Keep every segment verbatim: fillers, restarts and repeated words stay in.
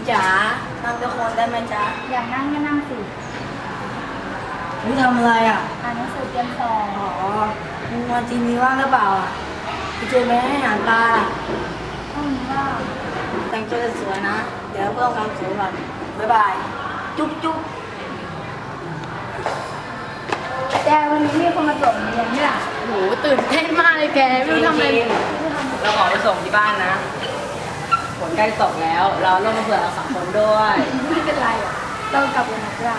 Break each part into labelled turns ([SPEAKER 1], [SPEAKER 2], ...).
[SPEAKER 1] จ๋านั่งทุกคนได้ไหมจ๊ะ
[SPEAKER 2] อยากนั่งก็นั่งสิ
[SPEAKER 1] นี่ทำอะไรอ่ะ
[SPEAKER 2] อ่านหนังสือเตรียมสอบ
[SPEAKER 1] อ๋อมึงวันจีนนี้ว่างหรือเปล่าอ่ะพี่เจไปให้อาหารปลา
[SPEAKER 2] ห้องนี้ว่า
[SPEAKER 1] แต่งตัวสวยนะเดี๋ยวเพิ่มความสวยก่อนบ๊ายบายจุ๊บจุ๊บ
[SPEAKER 2] แต่วันนี้มีคนมาส่งเรียนเนี่ย
[SPEAKER 3] โหตื่นเต้นมากเลยแกไม่รู้ทำอะไร
[SPEAKER 4] เราขอไปส่งที่บ้านนะฝนใกล้ตกแล้ว เราลงมาเผื่อเราสองคนด้วย
[SPEAKER 2] ไม่เป็นไรอ่ะเรากลับวันนัดได้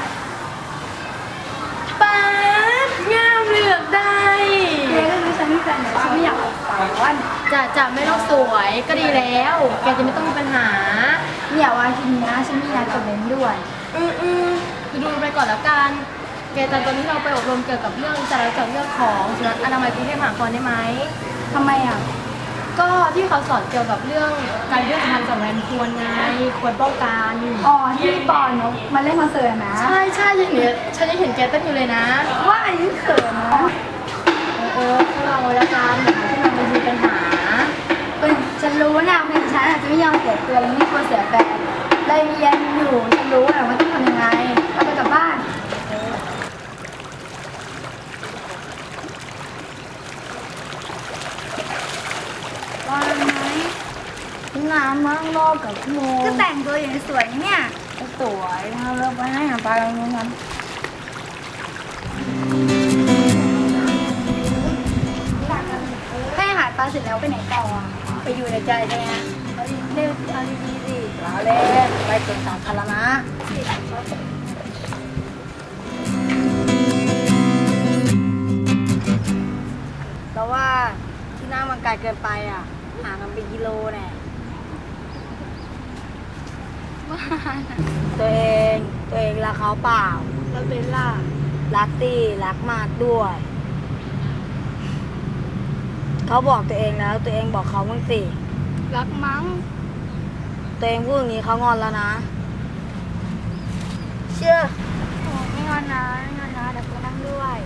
[SPEAKER 3] ป๊าดงามเหลือกได้
[SPEAKER 2] เจ๊ก็รู้ฉันไม่แฟนแต่ฉันไม่อยากออกสาย
[SPEAKER 3] จะจะไม่ต้องสวยก็ดีแล้วแกจะไม่ต้องมีปัญหา
[SPEAKER 2] เนี่ยวันทีนี้นะฉันมีนัดกับเบนด้วย
[SPEAKER 3] อืมอืมดูไปก่อนแล้วกันแกจำตอนที่เราไปอบรมเกี่ยวกับเรื่องจราจรเรื่องของสุนัขอนามัยกรุงเทพมหานครได้ไหม
[SPEAKER 2] ทำไมอ่ะ
[SPEAKER 3] ก็ที่เขาสอนเกี่ยวกับเรื่องการเลือกทางสำคัญควรไงควรป้องกัน
[SPEAKER 2] อ๋อที่ปอนเนาะมาเล่นคอนเสิร์ตนะ
[SPEAKER 3] ใช่ใช่ฉันเห็นฉันยังเห็นแกเต้นอยู่เลยนะ
[SPEAKER 2] ว่าอายุเขินนะ
[SPEAKER 3] เออพวกเราละกันที่เราไม่มีปัญหา
[SPEAKER 2] ฉันรู้นะเพื่อนฉันอาจจะไม่ยอมเสียตัวและไม่ควรเสียแฟนเลยเรียนอยู่ฉันรู้นะว่าต้องทำยังไงเราไปกลับบ้านว่าไหม
[SPEAKER 1] น้ำมั่งรอกับโม
[SPEAKER 2] ก็แต่งตัวอย่างสวยเนี่ย
[SPEAKER 1] สวยเราเลิกไปให้หาปลาตรงนู้นกัน
[SPEAKER 2] ให้อาหารปลาเสร็จแล้วไปไหนต่อ
[SPEAKER 1] ไปอยู่ในใจใช่ไหมเล่นเอาดีๆสิเราเล่นไปสวนสาธารณะเราว่าที่นั่งมันไกลเกินไปอ่ะห่างกันเป็นกิโลแน่ตัวเองตัวเองรักเขาเปล่า
[SPEAKER 2] เราเป็นล่ะ
[SPEAKER 1] รักตีรักมากด้วยเขาบอกตัวเองแล้วตัวเองบอกเขาบ้างสิ
[SPEAKER 2] รักมั้ง
[SPEAKER 1] ตัวเองพูดอย่างนี้เขางอนแล้วนะเชื่อ
[SPEAKER 2] ไม่งอนนะไม่งอนนะเดี๋ยวกูนั่งด้วย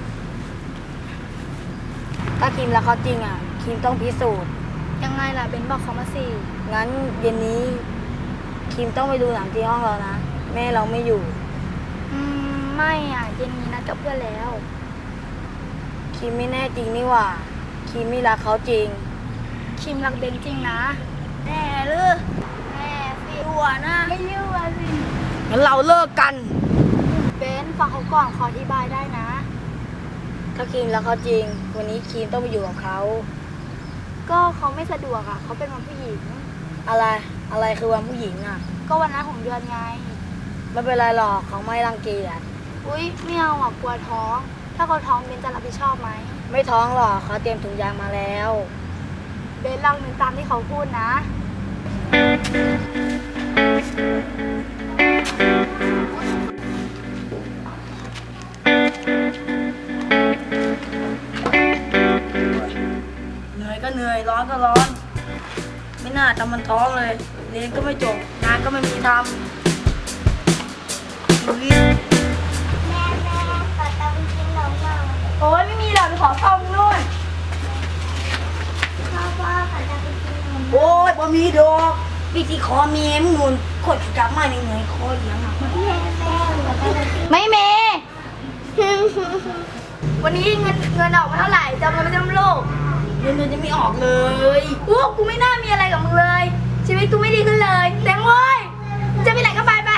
[SPEAKER 1] ถ้าคิมรักเขาจริงอ่ะคิมต้องพิสูจน์
[SPEAKER 2] ยังไงล่ะเบนบอกเขามาสิ
[SPEAKER 1] งั้นเย็นนี้คิมต้องไปดูหนังที่ห้องเรานะแม่เราไม่อยู่
[SPEAKER 2] อืมไม่อ่ะเย็นนี้นัดกับเพื่อนแล้ว
[SPEAKER 1] คิมไม่แน่จริงนี่หว่าคิมไม่รักเขาจริง
[SPEAKER 2] คิมรักเบนจริงนะแน่หรือแน่สิรัวนะไม่รัวสิ
[SPEAKER 1] งั้นเราเลิกกัน
[SPEAKER 2] เบนฟังเขาก่อนขออธิบายได้นะ
[SPEAKER 1] ถ้าคิมรักเขาจริงวันนี้คิมต้องไปอยู่กับเขา
[SPEAKER 2] ก็เขาไม่สะดวกอ่ะเขาเป็นวันผู้หญิง
[SPEAKER 1] อะไรอะไรคือวันผู้หญิงอ่ะ
[SPEAKER 2] ก็วันนั้นของเดือนไง
[SPEAKER 1] ไม่เป็นไรหรอกเขาไม่รังเกียจ
[SPEAKER 2] อุ้ยไม่เอาอ่ะกลัวท้องถ้าเขาท้องเบนจะรับผิดชอบไหม
[SPEAKER 1] ไม่ท้องหรอกเขาเตรียมถุงยางมาแล้ว
[SPEAKER 2] เบนลองนึกตามที่เขาพูดนะ
[SPEAKER 1] เหนื่อยก็เหนื่อยร้อนก็ร้อนไม่น่าทำมันท้องเลยเรียนก็ไม่จบงานก็ไม่มีทำดูรีบ
[SPEAKER 2] แม่แม่ขอตามกินนมหน่อยโอ้ยไม่มีหรอกไปขอเข้านู่นพ่อพ่อขอตามกินนม
[SPEAKER 1] โอ้ยบ่มีดอกวิธีขอเมียมึงนุ่นขดกลับมาเหนื่อยคอเอียงอ่ะ
[SPEAKER 2] ไม่เมวันนี้เงินเงินออกมาเท่าไหร่จำเงินไม่จำโลก
[SPEAKER 1] เงินเดือนจะไม่ออกเลย
[SPEAKER 2] โอ้กูไม่น่ามีอะไรกับมึงเลยชีวิตกูไม่ดีขึ้นเลยแตงโว้ยจะไปไหนก็ไปไป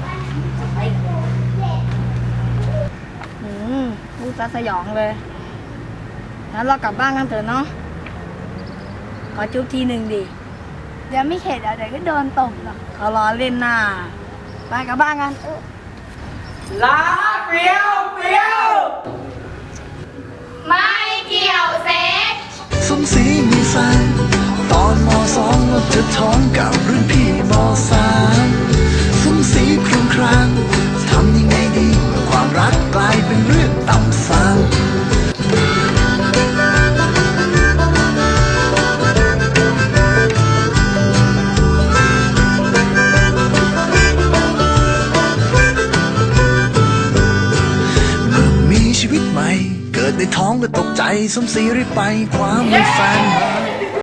[SPEAKER 1] อืมลูกตาสยองเลยงั้นเรากลับบ้านกันเถอะเนาะขอจุ๊บทีหนึ่งดิ
[SPEAKER 2] เดี๋ยวไม่เข็ดเดี๋ยวก็โดนตบหรอก
[SPEAKER 1] เขาล้อเล่นหน้าไปกลับบ้านกันลาเฟียวเฟียว
[SPEAKER 2] ไม่เกี่ยวเซ็ก
[SPEAKER 5] สมศรีมีแฟนตอนมสองเราจะท้องกับรุ่นพี่มสามสมศรีครองครางทำยังไงดีความรักกลายเป็นเรื่องต่ำซ้ำชีวิตใหม่เกิดในท้องและตกใจสมศรีรีบไปคว้ามือแฟนมา